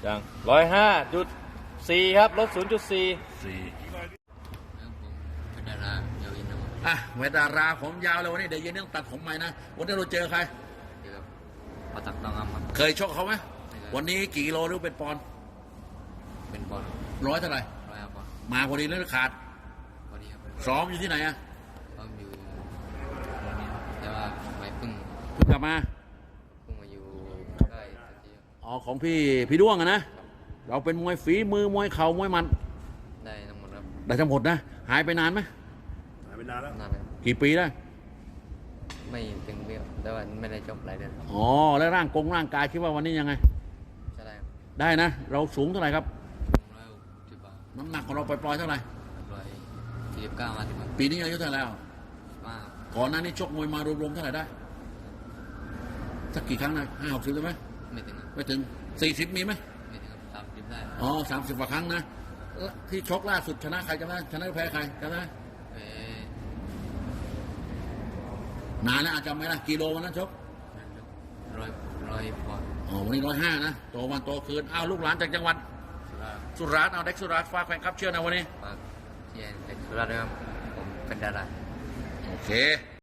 ยัง105.4ครับลด0.4 เป็นดาราเยาวอินทร์เวทดาราผมยาวเลยวันนี้เดี๋ยวเย็นต้องตัดผมใหม่นะวันนี้เราเจอใครเกี่ยวกับปตักตองครับเคยชกเขาไหมวันนี้กี่กิโลหรือเป็นปอนด์เป็นบอลร้อยเท่าไหร่ 100 บอลมาพอดีหรือขาดพอดีครับซ้อมอยู่ที่ไหนอะก็อยู่โรงเรียนแต่ว่าไปเพิ่งเพิ่งกลับมามาอยู่ใกล้สักทีอ๋อของพี่ด้วงอะนะเราเป็นมวยฝีมือมวยเข่ามวยหมันได้ทั้งหมดครับได้ทั้งหมดนะหายไปนานไหมหายไปนานแล้วนานเลยกี่ปีได้ไม่ถึงเบี้ยวแต่ว่าไม่ได้จบหลายเดือนอ๋อแล้วร่างกายคิดว่าวันนี้ยังไงใช่ได้ครับได้นะ เราสูงเท่าไหร่ครับ 160 บาทน้ำหนักของเราปล่อยๆเท่าไหร่ 149 มาถึงครับปีนี้อายุเท่าไหร่แล้วมากก่อนหน้านี้ชกมวยมารวมๆเท่าไหร่ได้สักกี่ครั้งนะ50ได้ไหมไม่ถึงครับไม่ถึง40มีไหมไม่ถึงครับ30ได้อ๋อ30กว่าครั้งนะแล้วที่ชกล่าสุดชนะใครจำได้ชนะหรือแพ้ใครจำได้เอ๊ะนานแล้วอาจจำไม่ได้กิโลวันนั้นชกร้อยบอลอ๋อวันนี้105นะโตวันโตคืนอ้าวลูกหลานจากจังหวัดสุราษฎร์สุราษฎร์เอาเด็กสุราษฎร์ฝากแฟนคลับเชื่อนะวันนี้ฝากเชียร์เด็กสุราษฎร์ด้วยครับผมเป็นดาราโอเค